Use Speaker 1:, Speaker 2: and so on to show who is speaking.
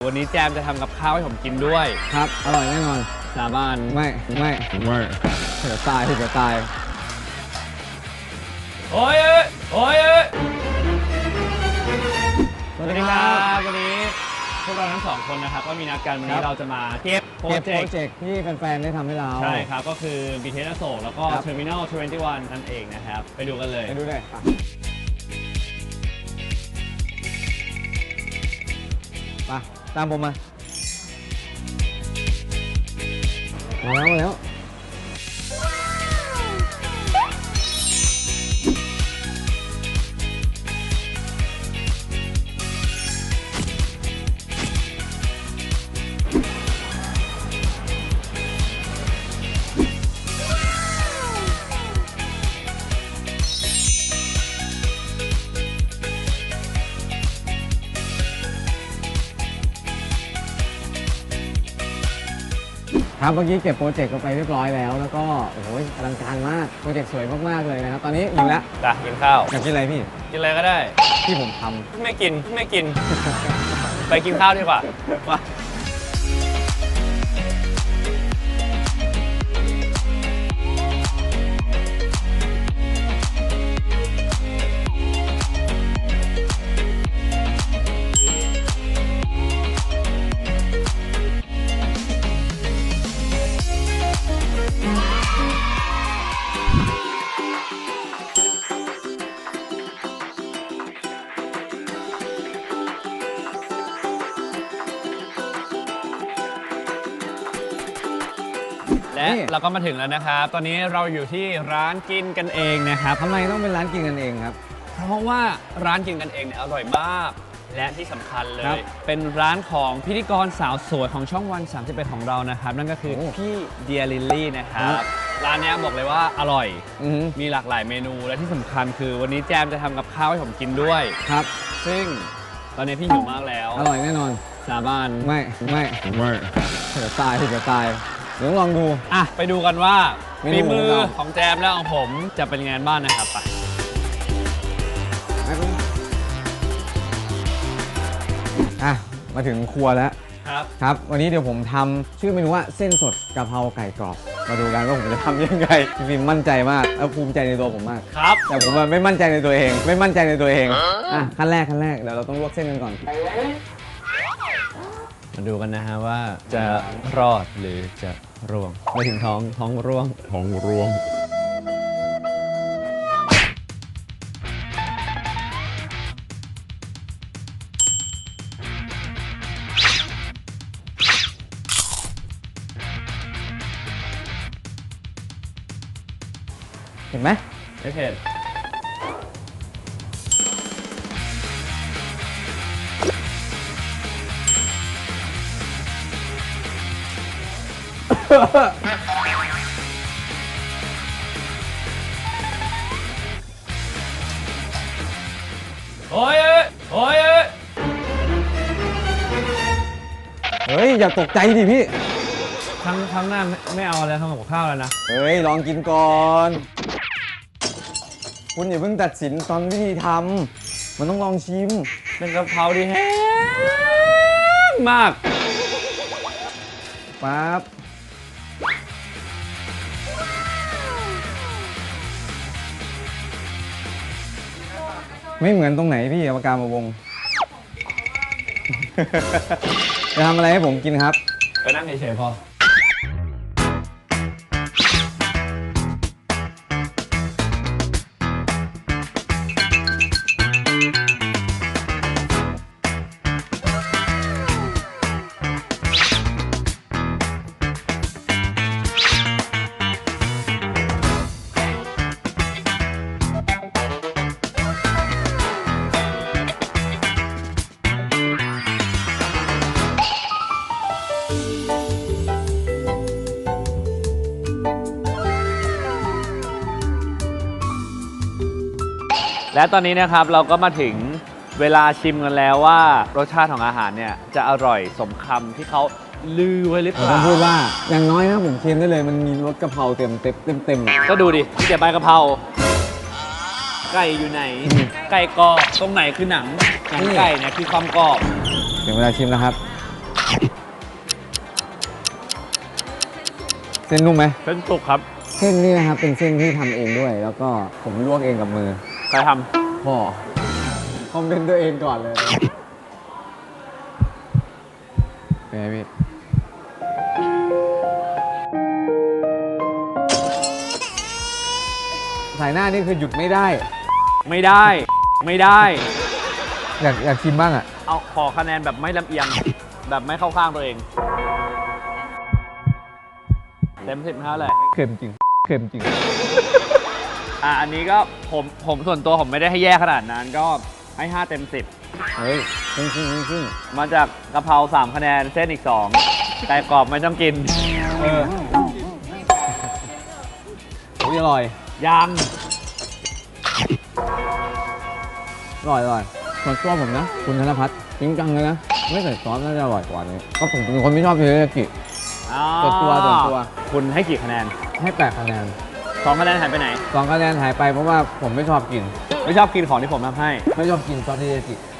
Speaker 1: วันนี้แจมจะทำกับข้าวให้ผมกินด้วย
Speaker 2: ครับอร่อยแน่นอน
Speaker 1: สาบาน
Speaker 2: ไม่เดี๋ยวตาย
Speaker 1: โอ้ยสวัสดีครับวันนี้พวกเราทั้งสองคนนะครับก็มีนัดกันวันนี้เราจะมาเก็บโปรเจกต์
Speaker 2: ที่แฟนๆได้ทำให้เรา
Speaker 1: ใช่ครับก็คือ BTS อโศกแล้วก็ Terminal 21 นั่นเองนะครับไปดูกันเลย
Speaker 2: ไปดูเลยไปตามผมมาแล้วครับเมื่อกี้เก็บโปรเจกต์ไปเรียบร้อยแล้วก็โอ้โหอลังการมากโปรเจกต์สวยมากๆเลยนะครับตอนนี้อยู่แล้ว
Speaker 1: กินข้าว
Speaker 2: อยากกินอะไรพี่
Speaker 1: กินอะไรก็ได้
Speaker 2: ที่ผมท
Speaker 1: ำไม่กิน ไปกินข้าวดีกว่าและเราก็มาถึงแล้วนะครับตอนนี้เราอยู่ที่ร้านกินกันเองนะครับ
Speaker 2: ทำไมต้องเป็นร้านกินกันเองครับ
Speaker 1: เพราะว่าร้านกินกันเองเนี่ยอร่อยมากและที่สำคัญเลยเป็นร้านของพิธีกรสาวสวยของช่องวัน31ของเรานะครับนั่นก็คือพี่เดียลิลลี่นะครับร้านนี้บอกเลยว่าอร่อยมีหลากหลายเมนูและที่สำคัญคือวันนี้แจมจะทำกับข้าวให้ผมกินด้วย
Speaker 2: ครับ
Speaker 1: ซึ่งตอนนี้พี่หิวมากแล้ว
Speaker 2: อร่อยแน่นอน
Speaker 1: สาบาน
Speaker 2: ไม่เดี๋ยวตายเดี๋ยวลองดู
Speaker 1: ไปดูกันว่าฝีมือของแจมและของผมจะเป็นยังไงบ้างนะครับไป
Speaker 2: มาถึงครัวแล้ว
Speaker 1: ครับ
Speaker 2: วันนี้เดี๋ยวผมทำชื่อเมนูว่าเส้นสดกะเพราไก่กรอบมาดูกันว่าผมจะทำยังไงพี่ฟิล์มมั่นใจมากแล้วภูมิใจในตัวผมมาก
Speaker 1: ครับ
Speaker 2: แต่ผมไม่มั่นใจในตัวเองขั้นแรกเดี๋ยวเราต้องลวกเส้นกันก่อน
Speaker 1: มาดูกันนะฮะว่าจะรอดหรือจะร่วงไปถึงท้องร่วง
Speaker 2: เห็นไหม
Speaker 1: ไม่เผ็ดโอ้ย
Speaker 2: อย่าตกใจดิพี่
Speaker 1: ครั้งหน้าไม่เอาอะไรทำกับข้าวแล้วนะ
Speaker 2: ลองกินก่อนคุณอย่าเพิ่งตัดสินตอนวิธีทำมันต้องลองชิม
Speaker 1: เป็นกะเพราที่แห้งมาก
Speaker 2: ปั๊บไม่เหมือนตรงไหนพี่ปากกามาวงจะทำอะไรให้ผมกินครับ
Speaker 1: ไปนั่งเฉยๆพอและตอนนี้นะครับเราก็มาถึงเวลาชิมกันแล้วว่ารสชาติของอาหารเนี่ยจะอร่อยสมคำที่เขาลือไว้หรือเปล่า
Speaker 2: ผมพูดว่าอย่างน้อยนะผมเค็มได้เลยมันมีรสกะเพราเต็ม
Speaker 1: ก็ดูดิมีแต่ใบกะเพราไก่อยู่ไหนไก่กรอบตรงไหนคือหนังไก่เนี่ยคือความกรอบ
Speaker 2: ถึงเวลาชิมแล้วครับเส้นนุ่มไหม
Speaker 1: เส้นสุกครับ
Speaker 2: เส้นนี่นะครับเป็นเส้นที่ทำเองด้วย แล้วก็ผมลวกเองกับมือ
Speaker 1: ใครท
Speaker 2: พ่อคอมเมนต์ตัวเองก่อนเลยเป็นไงพี่สายหน้านี่คือหยุดไม่ได้
Speaker 1: ำไม่ได้ ไม่ได้
Speaker 2: อยากชิมบ้างอ่ะ
Speaker 1: เอาขอคะแนนแบบไม่ลำเอียง แบบไม่เข้าข้างตัวเอง เต็ม10เท่าไหร่
Speaker 2: เค็มจริง เค็มจริง
Speaker 1: อันนี้ก็ผมส่วนตัวผมไม่ได้ให้แย่ขนาดนั้นก็ให้ 5 เต็ม
Speaker 2: เฮ้ยจริงจริงจริง
Speaker 1: 10 มาจากกะเพรา3 คะแนนเส้นอีก 2 แต่กรอบไม่ต้องกิน
Speaker 2: เออโอ้ยอร่อย
Speaker 1: ยัง
Speaker 2: อร่อยอร่อยส่วนตัวผมนะ คุณธนพัฒน์จริงจังเลยนะ ไม่ใส่ซอสน่าจะอร่อยกว่านี้ก็ผมเป็นคนไม่ชอบเทริยากิ ส่วนตัว
Speaker 1: คุณให้กี่คะแนน
Speaker 2: ให้8 คะแนน
Speaker 1: 2 คะแนนหายไปไหน
Speaker 2: 2 คะแนนหายไปเพราะว่าผมไม่ชอบกิน
Speaker 1: ไม่ชอบกินของที่ผมทำให้
Speaker 2: ไม่ชอบกินซอสเทริยากิ